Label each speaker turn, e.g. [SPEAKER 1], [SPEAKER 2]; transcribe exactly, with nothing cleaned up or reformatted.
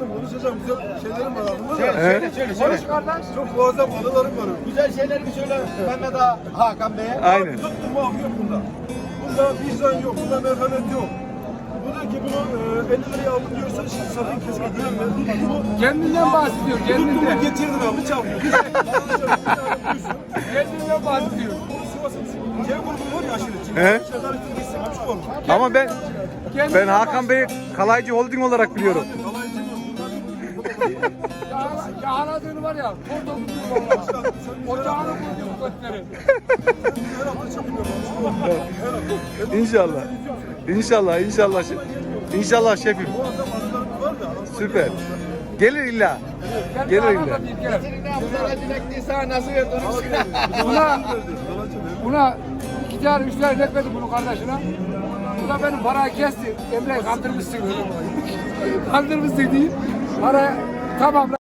[SPEAKER 1] Benim konuşacağım güzel şeylerim var aklımda da.
[SPEAKER 2] Söyle söyle söyle.
[SPEAKER 3] Konuş kardeş.
[SPEAKER 1] Çok muazzam anılarım var.
[SPEAKER 2] Güzel şeyler bir söyle Mehmet Ağa, Hakan Bey'e.
[SPEAKER 4] Aynen.
[SPEAKER 1] Abi tuttum mu yok bunda. Bunda vicdan yok, bunda merhamet yok. Bu diyor ki bunu e, elli liraya aldım diyorsa şimdi sakın kesinlikle güvenme. Tuttu mu?
[SPEAKER 3] Kendinden bahsediyor.
[SPEAKER 1] Tuttu mu
[SPEAKER 3] Kendinden.
[SPEAKER 1] getirdin abi çalmıyor.
[SPEAKER 3] Kendinden bahsediyor.
[SPEAKER 1] C grubu var ya aşiret.
[SPEAKER 4] He?
[SPEAKER 1] Şeyler için gitsin. Açık olmuş.
[SPEAKER 4] Ama ben ben
[SPEAKER 3] Kendinden
[SPEAKER 4] Hakan Bey'i Kalaycı Holding olarak biliyorum.
[SPEAKER 1] Kalaycı yok.
[SPEAKER 3] Ya, ya aradığını var ya. Orada tutuyor valla. Ocağını koyuyor götleri.
[SPEAKER 1] Her hafta çekiliyor. Her hafta.
[SPEAKER 4] İnşallah. İnşallah, inşallah. şef- İnşallah şefim.
[SPEAKER 1] Bu adam anılarım var da.
[SPEAKER 4] Süper. Gelir illa. Gelir illa.
[SPEAKER 2] Sana dilekliği sana nasıl verdi onu söyle.
[SPEAKER 3] Buna, buna iki tane üç tane etmedi bunu kardeşine. Bu da benim parayı kesti. Emre kandırmışsın. Kandırmışsın değil. Para tamam.